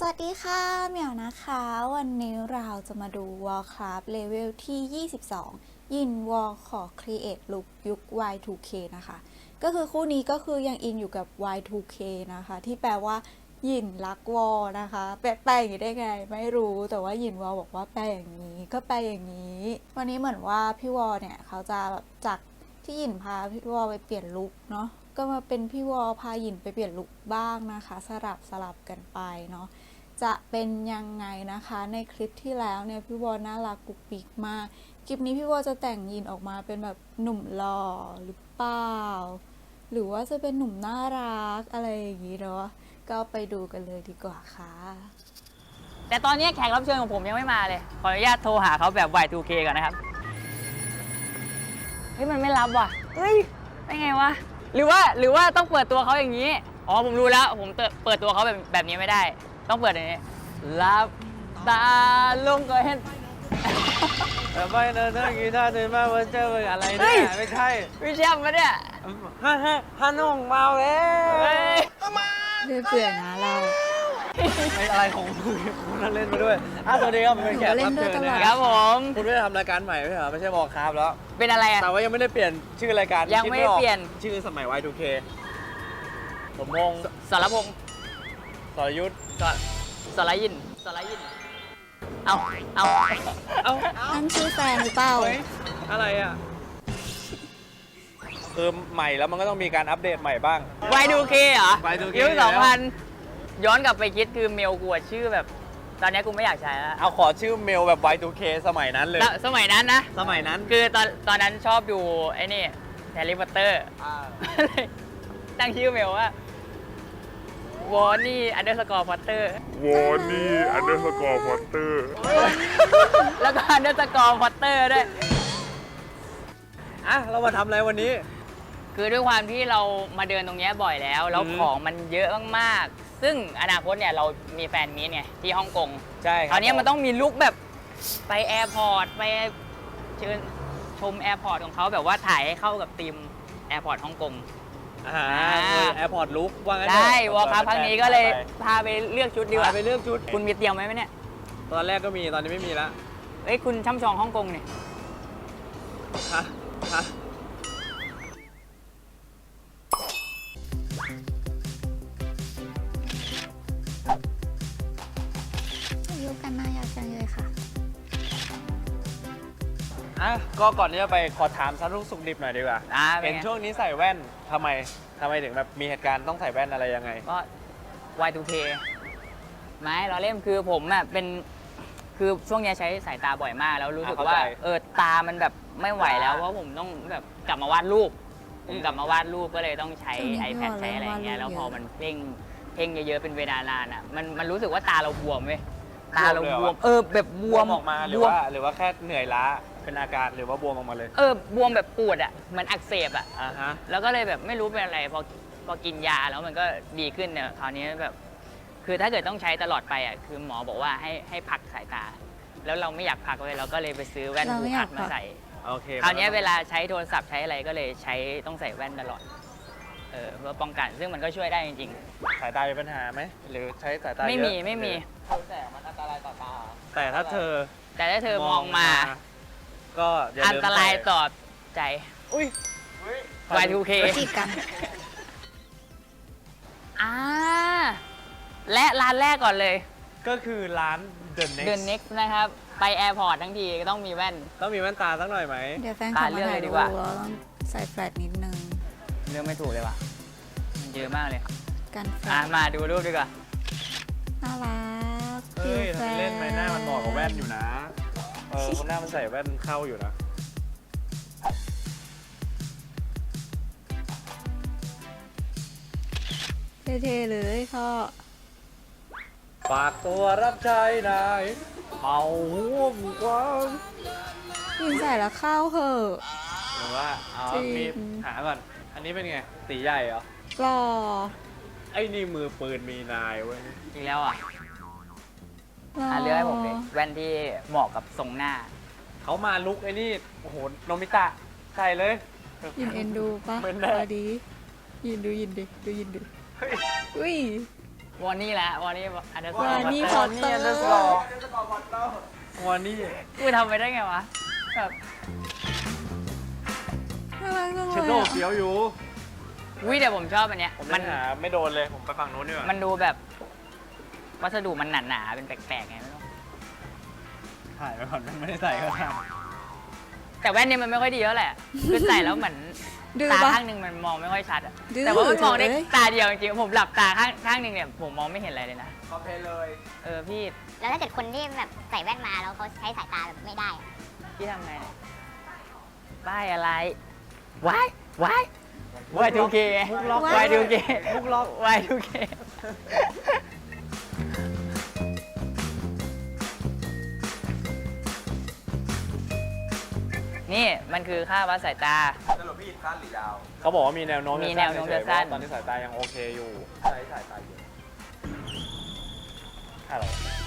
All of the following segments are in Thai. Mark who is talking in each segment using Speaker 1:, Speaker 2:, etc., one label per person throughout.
Speaker 1: วัสดีค่ะเหมียวนะคะวันนี้เราจะมาดู Warcraft Level ที่ 22 ยินวอลขอ Create Look ยุค Y2K นะคะก็คือคู่นี้ก็คือยังอินอยู่กับ Y2K นะคะที่แปลว่ายินรักวอลนะคะแปลอย่างนี้ได้ไงไม่รู้แต่ว่ายินวอลบอกว่าแปลอย่างนี้ก็แปลอย่างนี้วันนี้เหมือนว่าพี่วอลเนี่ยเขาจะแบบจากที่ยินพาพี่วอลไปเปลี่ยนลุคเนาะก็มาเป็นพี่วอลพายินไปเปลี่ยนลุคบ้างนะคะสลับกันไปเนาะจะเป็นยังไงนะคะในคลิปที่แล้วเนี่ยพี่วอลน่ารักกุ๊กปิ๊กมากคลิปนี้พี่วอลจะแต่งยินออกมาเป็นแบบหนุ่มหล่อหรือเปล่าหรือว่าจะเป็นหนุ่มน่ารักอะไรอย่างนี้เนาะก็ไปดูกันเลยดีกว่าค่ะ
Speaker 2: แต่ตอนนี้แขกรับเชิญของผมยังไม่มาเลยขออนุญาตโทรหาเขาแบบ Y2K ก่อนนะครับเฮ้ยมันไม่รับว่ะเฮ้ยได้ไงวะหรือว่าต้องเปิดตัวเขาอย่างนี้อ๋อผมรู้แล้วผมเปิดตัวเขาแบบนี้ไม่ได้ต้องเปิดอย่างนี้รับตาลงก็เห็น
Speaker 3: แต่ไม่เดินเรื่องกีตาร์เดินมาวันเจออะไรเนี่ยไม่ใช่
Speaker 2: พี่แชมป์มาเนี่ย
Speaker 3: ฮันงเมาแล้ว
Speaker 2: เฮ้ย
Speaker 1: เบื่อนะเรา
Speaker 3: ไม่อะไรของคุณเล่นมาด้วยสวัสดีครับผมเป็นแขกรับเชิญนะ
Speaker 2: ค
Speaker 3: ค
Speaker 2: รั
Speaker 3: รั
Speaker 2: บบ ผม
Speaker 3: คุณไม่ได้ทำรายการใหม่ไม่ใช่เหรอไม่ใช่บอกครับแล้ว
Speaker 2: เป็นอะไรอ่ะ
Speaker 3: แต่ว่ายังไม่ได้เปลี่ยนชื่อรายการ
Speaker 2: ยังไม่ได้เปลี่ยน
Speaker 3: ชื่อสมัย Y2K ผมงง
Speaker 2: สรพงษ์
Speaker 3: สรยุทธ
Speaker 2: สรยินเอา
Speaker 1: นั่นชื่อแฟนหรือเปล่า
Speaker 3: เฮ้ยอะไรอ่ะคือใหม่แล้วมันก็ต้องมีการอัปเดตใหม่บ้าง
Speaker 2: Y2K เหรอ
Speaker 3: Y2K
Speaker 2: ยุค
Speaker 3: แล้ว
Speaker 2: 2000ย้อนกลับไปคิดคือเมลกูอะชื่อแบบ ตอนนี้กูไม่อยากใช้แล้ว
Speaker 3: เอาขอชื่อเมลแบบ Y2K สมัยนั้นเลย
Speaker 2: สมัยนั้นนะ
Speaker 3: สมัยนั้น
Speaker 2: คือตอนนั้นชอบดูไอ้นี่แฮร์รี่พอตเตอร์ ตั้งชื่อเมลว่าวอร์นี่_พอตเตอร์
Speaker 4: Warnie_Potter
Speaker 2: แล้วก็_พอตเตอร์ด้วย
Speaker 3: อ่ะเรามาทำอะไรวันนี้
Speaker 2: คือด้วยความที่เรามาเดินตรงเนี้ยบ่อยแล้วของมันเยอะมากๆ ซึ่งอนาคตเนี่ยเรามีแฟนมีตไงที่ฮ่องกง
Speaker 3: ใช่ค
Speaker 2: ครับ ราวนี้มันต้องมีลุคแบบไปแอร์พอร์ตไปเชิญชมแอร์พอร์ตของเขาแบบว่าถ่ายให้เข้ากับธีมแอร์พอร์ตฮ่องกง
Speaker 3: แอร์พอร์ตลุกว่างั้น
Speaker 2: ได้วอลคัพครั้งนี้ก็เลยพาไปเลือกชุดดีกว่า
Speaker 3: ไปเลือกชุด
Speaker 2: คุณมีเตรียมไว้ไหมเนี่ย
Speaker 3: ตอนแรกก็มีตอนนี้ไม่มีแล้ว
Speaker 2: เอ้ยคุณช่ำชองฮ่องกงเนี่ย
Speaker 3: ฮะฮะ
Speaker 1: ยุคกันน่าอยากจังเลยค่ะ
Speaker 3: อ่ะก็ก่อนที่จะไปขอถามสารุสุขดิบหน่อยดีกว่า
Speaker 2: เป็น
Speaker 3: เห็น
Speaker 2: ไง
Speaker 3: ช่วงนี้ใส่แว่นทำไมถึงแบบมีเหตุการณ์ต้องใส่แว่นอะไรยังไง
Speaker 2: ก็ Y2K ไม่เราเล่นคือผมอ่ะเป็นคือช่วงเนี้ยใช้สายตาบ่อยมากแล้วรู้สึกว่า
Speaker 3: เข้าใจ
Speaker 2: ตามันแบบไม่ไหวแล้วเพราะผมต้องแบบกลับมาวาดรูปผมกลับมาวาดรูปก็เลยต้องใช้
Speaker 1: ช่วงนี้
Speaker 2: iPad
Speaker 1: พี่วอล
Speaker 2: ใช้อะไรอย่างเงี้ย
Speaker 1: เริ่
Speaker 2: แล้ว
Speaker 1: ม
Speaker 2: พอ
Speaker 1: วาดรูป
Speaker 2: มันเพ่งเยอะๆเป็นเวลานานอ่ะมันรู้สึกว่าตาเราบวมเว้ยตาเรา
Speaker 3: บวมเลยเหรอ
Speaker 2: บวมแบบบบ ว
Speaker 3: ว
Speaker 2: ม
Speaker 3: มออกมาหรือ
Speaker 2: บวม
Speaker 3: ว่าแค่เหนื่อยล้าเป็นอาการหรือว่าบวมออกมาเลย
Speaker 2: บวมแบบปวดอ่ะเหมันอักเสบอ่ะ
Speaker 3: อ่าฮะ
Speaker 2: แล้วก็เลยแบบไม่รู้เป็นอะไรพอกินยาแล้วมันก็ดีขึ้นเนี่ยคราวนี้แบบคือถ้าเกิดต้องใช้ตลอดไปอ่ะคือหมอบอกว่าให้พักสายตา แล้วเราไม่อยากพักเลยเราก็เลยไปซื้อแว่น
Speaker 1: เรา
Speaker 2: บู
Speaker 1: ไม่อยา
Speaker 2: พั
Speaker 1: ก
Speaker 2: ด
Speaker 1: พั
Speaker 2: มาก ใส่
Speaker 3: โอเค
Speaker 2: คราวนี้เวลาใช้โทรศัพท์ใช้อะไรก็เลยใช้ต้องใส่แว่นตลอดเพื่อป้องกันซึ่งมันก็ช่วยได้จริง
Speaker 3: สายตามีปัญหาไหมหรือใช้สายตา
Speaker 2: ๆ ไม่
Speaker 3: เยอะ
Speaker 2: มี
Speaker 3: แสงมันอันตรายต่อตาแต่ถ้าเธอ
Speaker 2: แต่ถ้าเธอมองมา
Speaker 3: ก็อย่า
Speaker 2: อัน
Speaker 3: ลืม
Speaker 2: ตราย
Speaker 3: ใส่
Speaker 2: ต่อใจ
Speaker 3: อุ้ย
Speaker 2: Y2K
Speaker 1: จีบกัน
Speaker 2: และร้านแรกก่อนเลย
Speaker 3: ก็คือร้าน The
Speaker 2: The
Speaker 3: Next
Speaker 2: Next นะครับ ไปแอร์พอร์ตทั้งทีก็ต้องมีแว่น
Speaker 3: ต้องมีแว่นตาสักหน่อยไหม
Speaker 1: เดี๋ยวแฟนเขามาถ่าย
Speaker 2: เลือกเลยดี
Speaker 1: รูป
Speaker 2: กว่า
Speaker 1: แล้วต้องใส่แฟลชนิดนึง
Speaker 2: เลือกไม่ถูกเลยว่ะมันเยอะมากเลย
Speaker 1: กันแฟลช
Speaker 2: มาดูรูปดีกว่า
Speaker 1: น่ารัก
Speaker 3: เฮ้ย
Speaker 1: แฟ
Speaker 3: ทำไมเล่นไปหน้ามันเหมาะกับแว่นอยู่นะคนหน้ามันใส่แว่นเข้าอยู่นะ
Speaker 1: เท่ๆเลยพ่อ
Speaker 3: ฝากตัวรับใช้นายเอาห่วงกว้าง
Speaker 1: ยินใส่แล้วเข้าเหอะ
Speaker 3: หรือว่าเอา
Speaker 1: จริง
Speaker 3: มีหาก่อน อันนี้เป็นไง ตีใหญ่เหรอ
Speaker 1: หล่อ
Speaker 3: ไอ้นี่มือปืนมีนายเว้ย
Speaker 2: อีกแล้วอ่ะ
Speaker 1: หล่อ
Speaker 2: เลือกให้ผมเลยแว่นที่เหมาะกับทรงหน้า
Speaker 3: เขามาลุกไอ้นี่ โอ้โห โนมิตะ ใส่เลย
Speaker 1: ยินเอ็นดูปะ
Speaker 3: เหมือนแน่
Speaker 1: พอดียินดูยินดิดูยินดิ
Speaker 3: เฮ้ย
Speaker 1: อุ้ย
Speaker 2: วอนนี่แหละวอนนี่อันเดอร์สกอร์
Speaker 1: Warnie
Speaker 2: วอน
Speaker 1: Potter
Speaker 2: นี่อันเดอร์สกอร์
Speaker 3: วันนี้
Speaker 2: กูทำไปได้ไงวะแบบ
Speaker 1: น่ารักจัง
Speaker 3: เช
Speaker 1: เล
Speaker 3: โด
Speaker 1: ย
Speaker 3: เฟี้ยวอยู่
Speaker 2: วิแต่ผมชอบอันเนี้ย
Speaker 3: ผม
Speaker 2: มั
Speaker 3: ยังหาไม่โดนเลย ผมไปฝั่งนู้นดีกว่า
Speaker 2: มันดูแบบวัสดุมันหนาๆเป็นแปลกๆไงไม่รู้
Speaker 3: ถ่ายไปก่อนไม่ได้ใส่ก็ได้
Speaker 2: แต่แว่นเนี่ยมันไม่ค่อยดีแล้วแหละ คือใส่แล้วเหมือน
Speaker 1: ดื้อ
Speaker 2: ตา
Speaker 1: ปะ
Speaker 2: ข้างหนึ่งมันมองไม่ค่อยชัดอะ
Speaker 1: ดื้อ
Speaker 2: แต่ว่ามันมองได้
Speaker 1: เลย
Speaker 2: ตาเดียวจริงๆผมหลับตาข้างหนึ่งเนี่ยผมมองไม่เห็นอะไรเลยนะ
Speaker 3: คอมเพลเลย
Speaker 2: เออพี่
Speaker 5: แล้วถ้าเกิดคนที่แบบใส่แว่นมาแล้วเขาใช้สายตาแบบไม่ได้อะ
Speaker 2: พี่ทำไงเนี่ยป้ายอะไรว้ายว้าย Y2K
Speaker 3: มุกล็อก
Speaker 2: Y2K
Speaker 3: มุกล็อก
Speaker 2: Y2K นี่มันคือค่าวัดสายตา
Speaker 3: เขาบอกว่ามีแนวโน้ม
Speaker 2: มีแนวโน้มจะสั้น
Speaker 3: ตอนนี้สายตายังโอเคอยู่ใช้สายตาเยอะอะไร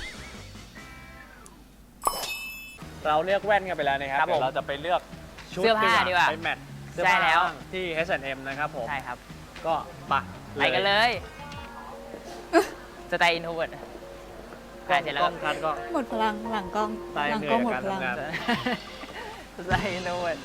Speaker 3: เราเลือกแว่นกันไปแล้วนะครับ
Speaker 2: ครับผม
Speaker 3: เดี๋ยวเราจะไปเลือกชุด
Speaker 2: เสื้อผ้าดีกว่า
Speaker 3: ไปแมทเสื้อ
Speaker 2: ใช่
Speaker 3: ผ้า
Speaker 2: แล้ว
Speaker 3: ที่ H&M นะครับผม
Speaker 2: ใช่ครับ
Speaker 3: ก็ไป
Speaker 2: ไปกันเลยสไตล์อินโทรเวิร์ด
Speaker 3: กล้อง
Speaker 2: เสร็จแล้
Speaker 3: กล้
Speaker 2: ว
Speaker 3: องคัดก็
Speaker 1: หมดพลังหลังกล้อง
Speaker 3: ตาย
Speaker 1: หลั
Speaker 3: เหนื่
Speaker 1: กล้
Speaker 3: อ
Speaker 1: อย งหมด
Speaker 3: กับ
Speaker 1: พ
Speaker 3: การ
Speaker 1: ลัง
Speaker 3: ทำงาน
Speaker 2: สไตล์อินโทรเวิร์ด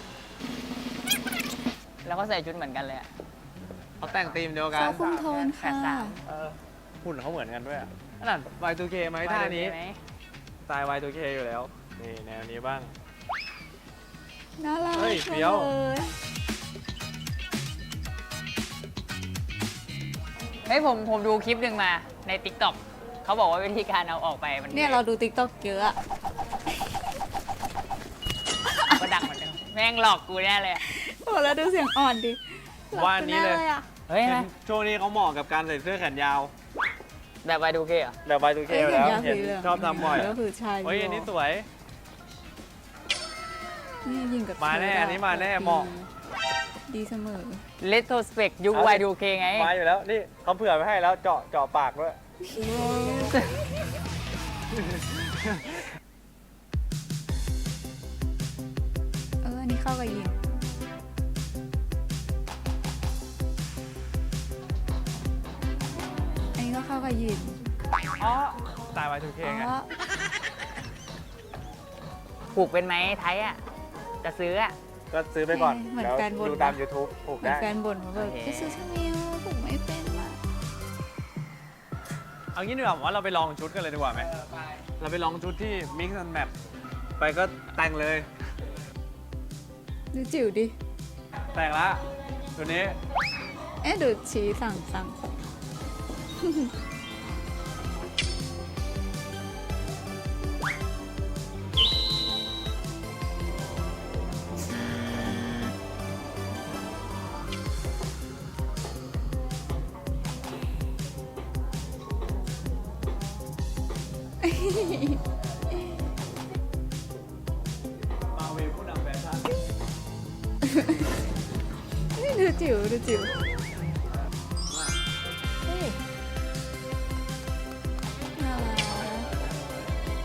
Speaker 2: แล้วก็ใส่ชุดเหมือนกันเลยอะ
Speaker 3: เขาแต่งธีมเดียวกั
Speaker 1: ซอน คุมโทน
Speaker 2: แป
Speaker 1: ค่ะ
Speaker 2: ดสาม
Speaker 3: หุ่นเขาเหมือนกันด้วยอ่ะนั่น Y2K ไหมท่านี้
Speaker 2: ไหม
Speaker 3: สไตล์ Y2K อยู่แล้ว นี่แนวนี้บ้าง
Speaker 1: น่ารัก
Speaker 3: เฮ้ย
Speaker 1: จัง
Speaker 3: เฟี้ยว
Speaker 1: เลย
Speaker 2: เฮ้ยผมดูคลิปหนึ่งมาใน TikTok เขาบอกว่าวิธีการเอาออกไปมัน
Speaker 1: เนี่ยเราดูติ๊กต็อกเยอะอะ
Speaker 2: ก็ดังเหมือนเดิมแม่งหลอกกูแน่เลยอะ
Speaker 1: โอ้แล้วดูเสียงอ่อนดิหลับ
Speaker 3: ว่าอันนี้เลย
Speaker 1: ไปแอะ
Speaker 2: เฮ้ย
Speaker 3: เห็
Speaker 2: ไหม
Speaker 3: นช่วงนี้เขาเหมาะกับการใส่เสื้อแขนยาว
Speaker 2: แบบ Y2K เหรอ
Speaker 3: แบบ Y2K
Speaker 1: เอ้ย
Speaker 3: อยู่แล้ว
Speaker 1: เห็น
Speaker 3: เห็น
Speaker 1: สีหลืง
Speaker 3: ชอบทำบ่อย
Speaker 1: ก็คือใช่
Speaker 3: เฮ้ยอันนี้สวย
Speaker 1: นี่ยิงกับ
Speaker 3: มาแน่
Speaker 1: เธ
Speaker 3: อันนี้มาแน่เหมาะ
Speaker 1: ดีเสมอ
Speaker 2: Retrospect ยุค
Speaker 3: เอาดิ
Speaker 2: Y2K ไง
Speaker 3: มาอยู่แล้ว นี่เขาเผื่อไว้ให้แล้วเจาะปากด้วย
Speaker 1: อันนี้เข้ากับยิงอันนี้ก็เข้ากับยิง
Speaker 3: อ๋อสไตล์ Y2K ไง
Speaker 1: อ๋อ
Speaker 2: ผูกเป็นไหมไทยอ่ะ จะซื้ออ่ะ
Speaker 3: ก็ซื้อไปก่อน
Speaker 1: เหมือน
Speaker 3: แล้ว
Speaker 1: แฟนบน
Speaker 3: ดูตาม YouTube ถูก
Speaker 1: เหมือน
Speaker 3: ได้
Speaker 1: แฟนบ่นว่าแบบ
Speaker 2: โอเค
Speaker 1: จะซื้อทำไมวะผมไม่เป็นอะ
Speaker 3: เอางี้ดีกว่าผมว่าเราไปลองชุดกันเลยดีกว่าไหมเราไปลองชุดที่ Mix and Match ไปก็แต่งเลย
Speaker 1: ดูจิ๋วดิ
Speaker 3: แต่งละตัวนี้
Speaker 1: เอ๊ะดูชี้สั่ง
Speaker 3: มาเวลผู้นำแฟชั่น
Speaker 1: นี่ดูจิ๋วดูจิ๋วเฮ้ยน่ารัก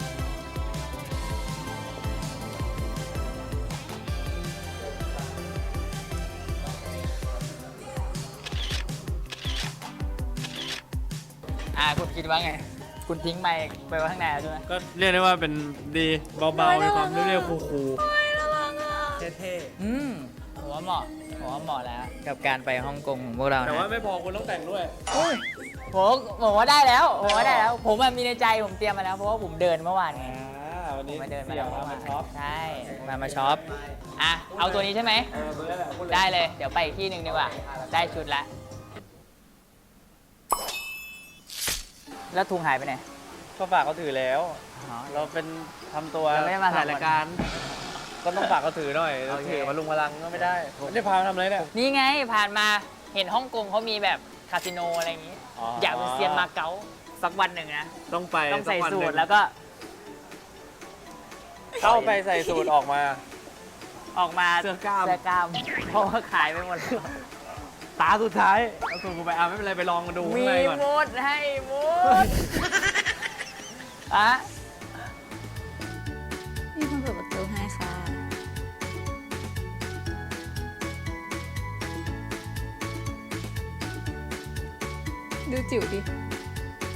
Speaker 2: คุณคิดว่าไง คุณทิ้งไมค์ไปไว้ข้างในแล้วใช่ไหม
Speaker 3: ก็เรียกได้ว่าเป็นดีเบาๆมีความเรียบๆคูล
Speaker 1: น่ารักอ่ะ
Speaker 3: ๆเท่
Speaker 2: ผมว่าเหมาะแล้ว กับการไปฮ่องกงของพวกเรา
Speaker 3: ๆแต่
Speaker 2: นะ
Speaker 3: ว่าไม่พอคุณต้องแต่งด้วย
Speaker 2: ผมว่าได้แล้ว ผมมีในใจผมเตรียมมาแล้ว เพราะว่าผมเดินเมื่อวานไง
Speaker 3: วัน
Speaker 2: ผ
Speaker 3: นี้
Speaker 2: มมาเดินมา
Speaker 3: เสี่ย
Speaker 2: แล้ว
Speaker 3: ง
Speaker 2: เมื่อวาน
Speaker 3: มาช็อป
Speaker 2: ใช่ มาช็อป อ่ะ เอาตัวนี้ใช่ไหม
Speaker 3: เบอร์แหละพูดเลย
Speaker 2: ได้เลย เดี๋ยวไปอีกที่หนึ่งดีกว่า ได้ชุดละ แล้วทุงหายไปไหน
Speaker 3: ก็ฝากเขาถือแล้ว
Speaker 2: อ๋อ
Speaker 3: เราเป็นทำตัว
Speaker 2: เราไม่ได้มา
Speaker 3: ถ่ายรายการ ก็ต้องฝากเขาถือหน่อย
Speaker 2: โอเค
Speaker 3: ถือมาลุงพลังก็ไม่ได้ไม่ได้พามาทำอะไรเนี่ย
Speaker 2: นี่ไงผ่านมาเห็นฮ่องกงเขามีแบบคาสิโนอะไรอย่างงี้
Speaker 3: อ๋ออ
Speaker 2: อยากเป็นเซียนมาเก๊าสักวันหนึ่งนะ
Speaker 3: ต้องไป
Speaker 2: ต้องใส่
Speaker 3: กวัน
Speaker 2: สู
Speaker 3: หนึ่
Speaker 2: ท
Speaker 3: ง
Speaker 2: แล้วก็
Speaker 3: เข้าไปใส่สูทออกมา
Speaker 2: ออกมา
Speaker 3: เสื้อกล้าม
Speaker 2: เสื้อกล้าม เพราะว่าขายไปหมดแล้ว
Speaker 3: ตาสุดท้ายเอาสูทกูไปไม่เป็นไรไปลองมาดูข้า
Speaker 2: มี
Speaker 3: งในก่อน
Speaker 2: หมดให้หมดอะ
Speaker 1: มีคนเปิดประตูให้ค่ะ ดูจิ๋วดิ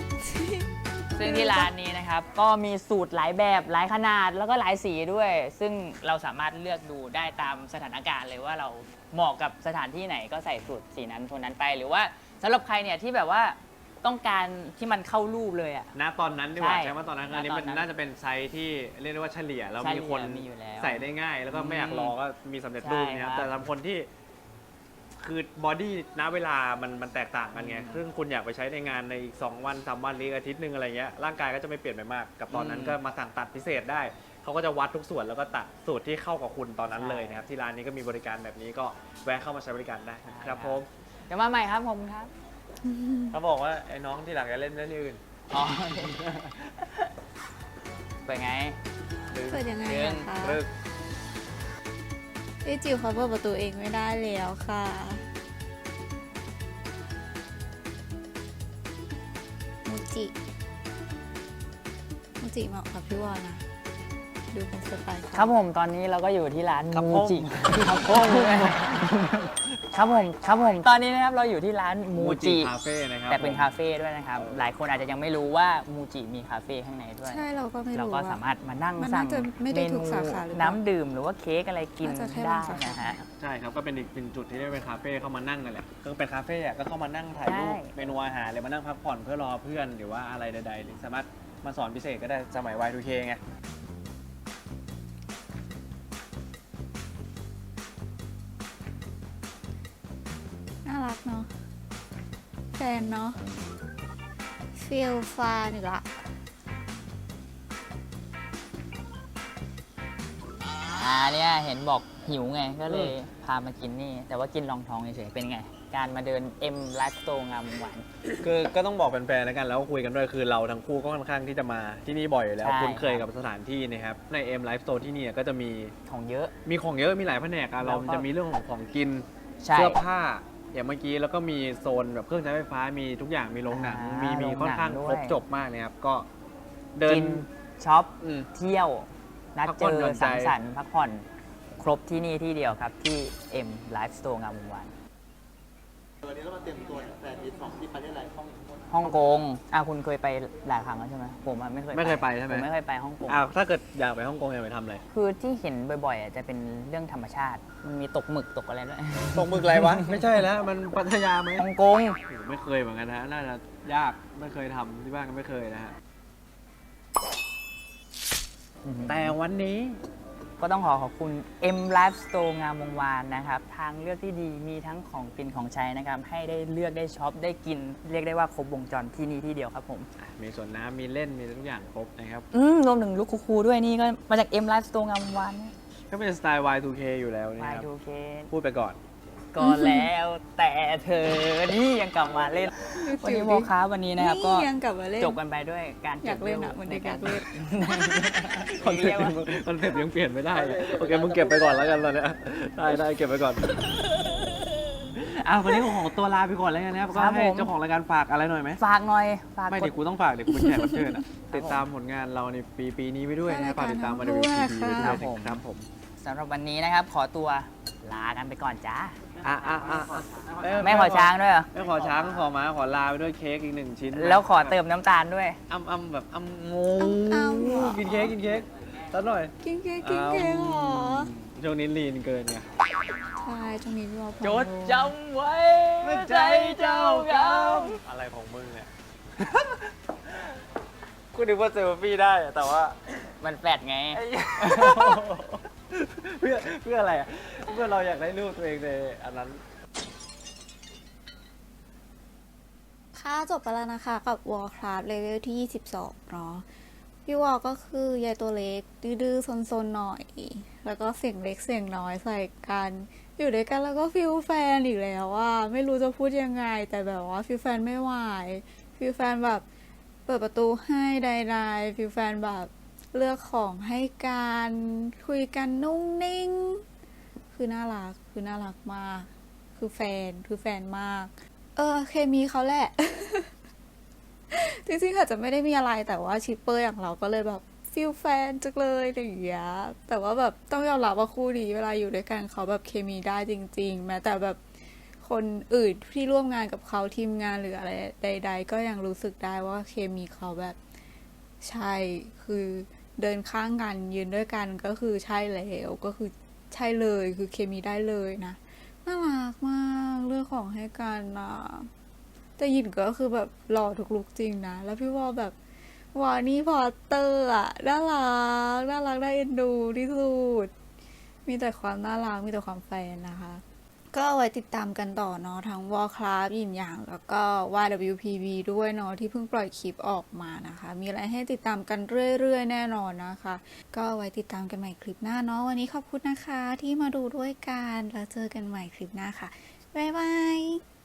Speaker 2: ซึ่งที่ร้านนี้นะครับก็มีสูตรหลายแบบหลายขนาดแล้วก็หลายสีด้วย ซึ่งเราสามารถเลือกดูได้ตามสถานการณ์เลยว่าเราเหมาะกับสถานที่ไหนก็ใส่สูตรสีนั้นโทนนั้นไป หรือว่าสำหรับใครเนี่ยที่แบบว่าต้องการที่มันเข้ารูปเลยอ่ะ
Speaker 3: ณตอนนั้นดีกว่า
Speaker 2: ใช่
Speaker 3: ใช่ไหมตอนนั้น
Speaker 2: ณ
Speaker 3: อันนี้มัน
Speaker 2: ตอนนั้น
Speaker 3: น่าจะเป็นไซส์ที่เรียกได้ว่าเฉลี่ยแล้ว
Speaker 2: เฉลี่
Speaker 3: มี
Speaker 2: ย
Speaker 3: คน
Speaker 2: มีอยู่แล้ว
Speaker 3: ใส่ได้ง่าย แล้วก็ไม่อยากรอก็มีสำเร็จรูปเนี่ยครับ
Speaker 2: ใช่ครับ
Speaker 3: แต่สำหรับคนที่คือบอดี้ณเวลามันแตกต่างกันไงซึ่งคุณอยากไปใช้ในงานในอีก2 วัน 3 วันหรืออาทิตย์หนึ่งอะไรเงี้ยร่างกายก็จะไม่เปลี่ยนไปมากกับตอนนั้นก็มาสั่งตัดพิเศษได้เขาก็จะวัดทุกส่วนแล้วก็ตัดสูตรที่เข้ากับคุณตอนนั้นเลยนะครับที่ร้านนี้ก็มีบริการแบบนี้ก็แวะเข้ามาใช้บริการได้ครับผม
Speaker 2: เดี๋ยวมาใหม่ครับผมครับ
Speaker 3: เขาบอกว่าไอ้น้องที่หลังจะเล่นเรื่องอื่น
Speaker 2: อ๋อเป็นไง
Speaker 1: เปิดยังไง
Speaker 2: เรื่อง
Speaker 1: อะคะ
Speaker 3: เลิก
Speaker 1: พี่จิ๋วเขาเปิดประตูเองไม่ได้แล้วค่ะมูจิเหมาะกับพี่วอนะ ดูเป็นสไตล์เขา
Speaker 2: ครับผมตอนนี้เราก็อยู่ที่ร้าน
Speaker 3: ครับ
Speaker 2: มูจิครับผมครับผมตอนนี้นะครับเราอยู่ที่ร้านมูจิ
Speaker 3: คาเฟ่นะครับ
Speaker 2: แต่เป็นคาเฟ่ด้วยนะครับ หลายคนอาจจะยังไม่รู้ว่ามูจิมีคาเฟ่ข้างในด้วย
Speaker 1: ใช่เราก็ไม่
Speaker 2: เรา
Speaker 1: รู้
Speaker 2: ก็
Speaker 1: ว่า
Speaker 2: สามารถมานั่ง
Speaker 1: มัน
Speaker 2: สั่
Speaker 1: น่าง จะไม่ได้
Speaker 2: เม
Speaker 1: ทุ
Speaker 2: นู
Speaker 1: กสาขาหรือเปล่า
Speaker 2: น้ำดื่มหรือว่าเค้กอะไรกิน
Speaker 1: น่าจะแค่
Speaker 2: ได้
Speaker 1: บางสาขา
Speaker 2: นะฮะ
Speaker 3: ใช่ครับก็เป็นอีกหนึ่งจุดที่ได้เป็นคาเฟ่เข้ามานั่งนั่นแหละก็เป็นคาเฟ่อะก็เข้ามานั่งถ่ายรูป
Speaker 2: ใช่
Speaker 3: เมนูอาหารหรือมานั่งพักผ่อนเพื่อรอเพื่อนหรือว่าอะไรใดๆหรือสามารถมาสอนพิเศษก็ได้สมัย Y2K ไง
Speaker 1: น่ารักเนาะแฟนเนาะฟิลฟานอีกละ
Speaker 2: เนี่ยเห็นบอกหิวไงก็เลยพามากินนี่ แต่ว่ากินรองท้องเฉยๆเป็นไง การมาเดิน M Life Store งามวงศ์หวาน
Speaker 3: คือก็ต้องบอกแฟนๆแล้วกันแล้วก็คุยกันด้วยคือเราทั้งคู่ก็ค่อนข้างที่จะมาที่นี่บ่อยอยู่แล้ว
Speaker 2: ใช่
Speaker 3: คุ้นเคยกับสถานที่นะครับใน M Life Store ที่นี่ก็จะมี
Speaker 2: ของเยอะ
Speaker 3: ของเยอะมีหลายแผนกอะ
Speaker 2: แล้
Speaker 3: เรา
Speaker 2: วก็
Speaker 3: จะมีเรื่องของกิน
Speaker 2: ใช่
Speaker 3: เสื้อผ้าอย่างเมื่อกี้แล้วก็มีโซนแบบเครื่องใช้ไฟฟ้ามีทุกอย่างมีโรงหนัง
Speaker 2: มี
Speaker 3: มี
Speaker 2: โรงหนัง
Speaker 3: ค่อนข้าง
Speaker 2: ด้วย
Speaker 3: ครบจบมากเลยครับก็เดิน
Speaker 2: กินช็อป
Speaker 3: อืม
Speaker 2: เที่ยว นัด
Speaker 3: พัก
Speaker 2: เจ
Speaker 3: ผ่อน
Speaker 2: อ
Speaker 3: หย่อนใจ
Speaker 2: สังสรรค์พักผ่อนครบที่นี่ที่เดียวครับที่ M Life Store งามวงศ์หวาน
Speaker 6: วันนี้เรามาเตรียมตัวแฟนมิตรของที่ประเทศอะไร
Speaker 2: ฮ่องกงคุณเคยไปหลายครั้งแล้วใช่ไหมผมอะไม่เคย
Speaker 3: ไม่เคยไปใช่ไหม
Speaker 2: ผมไม่เคยไปฮ่องกง
Speaker 3: ถ้าเกิดอยากไปฮ่องกงอยากไปทำอะไร
Speaker 2: คือที่เห็นบ่อยๆจะเป็นเรื่องธรรมชาติ มันมีตกหมึกตกอะไรด้วย
Speaker 3: ตกหมึกอะไรวะ ไม่ใช่แล้วมันพัทยาไหม
Speaker 2: ฮ่องกง
Speaker 3: ไม่เคยเหมือนกันนะฮะน่าจะยากไม่เคยทำที่บ้านก็ไม่เคยนะฮะแต่วันนี้
Speaker 2: ก็ต้องขอบคุณ M Life Store งามวงวานนะครับ ทางเลือกที่ดีมีทั้งของกินของใช้นะครับ ให้ได้เลือกได้ช็อปได้กิน เรียกได้ว่าครบวงจรที่นี่ที่เดียวครับผม
Speaker 3: มีสวนน้ำมีเล่นมีทุกอย่างครบนะครับ
Speaker 2: รวมถึงลูกคูๆด้วยนี่ก็มาจาก M Life Store งามวงวาน
Speaker 3: ก็เป็นสไตล์ Y2K อยู่แล้วนะ
Speaker 2: มา
Speaker 3: ครับ
Speaker 2: ดูเคส
Speaker 3: พูดไปก่อน
Speaker 2: ก็แล้วแต่เธอนี่ยังกลับมาเล่น วันนี้โมค้าวันนี้นะครับก็
Speaker 1: ยังกลับมาเล่น
Speaker 2: จบกันไปด้วยการ
Speaker 1: อยากเล่นอะเหมือนเด็กอยากเล่น
Speaker 3: คอนเซ็ปต์ยังเปลี่ยนไม่ได้เลยโอเคมึงเก็บไปก่อนแล้วกันตอนเนี้ยได้เก็บไปก่อนวันนี้ของตัวลาไปก่อนแล้วกันนะครับก็ให้เจ้าของรายการฝากอะไรหน่อยไหม
Speaker 2: ฝากหน่อยฝาก
Speaker 3: ไม่
Speaker 2: ก
Speaker 3: เดี๋
Speaker 2: ด
Speaker 3: ยวกูต้องฝากเดี๋ยวกูเป็นแขกรับเชิญอะติดตามผลงานเราในปีนี้ไปด้วยนะครับฝากติดตามมาใน WPP ไปด้วยนะครับผม
Speaker 2: สำหรับวันนี้นะครับ ขอตัวลากันไปก่อนจ้า
Speaker 3: เอ้ย
Speaker 2: ไม่ขอช้างด้วยเหรอ
Speaker 3: ไม่ขอช้างขอม้าขอลาไปด้วยเค้กอีก1 ชิ้น
Speaker 2: แล้วขอเติมน้ำตาลด้วย
Speaker 3: แบบงู
Speaker 1: อ้ำเหรอ
Speaker 3: กินเค้กสักหน่อย
Speaker 1: กินเค้กเหรอ
Speaker 3: ช่วงนี้ลีนเกินไง
Speaker 1: ใช่ช่วงนี้พี่วอ
Speaker 2: จดจำไว้ใจเจ้ากรรม
Speaker 3: อะไรของมึงเนี่ย กูนึกว่าเซลฟี่ได้อะแต่ว่า
Speaker 2: มันแฟดไง
Speaker 3: เพื่ออะไรอ่ะเพื่อเราอยากได้รูปตัวเองในอันนั้น
Speaker 1: ค่ะจบไปแล้วนะคะกับ Warcraft เลเวลที่ 22 เนาะพี่วอก็คือยายตัวเล็ก ดื้อๆซนๆหน่อย แล้วก็เสียงเล็กเสียงน้อยใส่กัน อยู่ด้วยกันแล้วก็ฟิลแฟนอีกแล้วว่าไม่รู้จะพูดยังไง แต่แบบว่าฟิลแฟนไม่ไหวฟิลแฟนแบบเปิดประตูให้ใดๆฟิลแฟนแบบเลือกของให้กันคุยกันนุ่งนิ่ง คือน่ารักมาก คือแฟนมาก เคมีเขาแหละ จริงๆอาจจะไม่ได้มีอะไรแต่ว่าชิปเปอร์อย่างเราก็เลยแบบฟิลแฟนจังเลยอะไรอย่างเงี้ยแต่ว่าแบบต้องยอมรับว่าคู่นี้เวลาอยู่ด้วยกันเขาแบบเคมีได้จริงๆแม้แต่แบบคนอื่นที่ร่วมงานกับเขาทีมงานหรืออะไรใด ๆ ก็ยังรู้สึกได้ว่าเคมีเขาแบบใช่คือเดินข้างกันยืนด้วยกันก็คือใช่แล้วก็คือใช่เลยคือเคมีได้เลยนะน่ารักมากเลือกของให้กันนะแต่หยินก็คือแบบหล่อทุกลุกจริงนะแล้วพี่วอแบบวานี่พอตเตอร์อะน่ารักน่ารักน่าเอ็นดูที่สุดมีแต่ความน่ารักมีแต่ความแฟนนะคะ ก็เอาไว้ติดตามกันต่อเนาะทั้ง Warcraft ยินหยางแล้วก็ YWPB ด้วยเนาะที่เพิ่งปล่อยคลิปออกมานะคะ มีอะไรให้ติดตามกันเรื่อยๆแน่นอนนะคะ ก็เอาไว้ติดตามกันใหม่คลิปหน้าเนาะวันนี้ขอบคุณนะคะที่มาดูด้วยกันแล้วเจอกันใหม่คลิปหน้าค่ะ บ๊ายบาย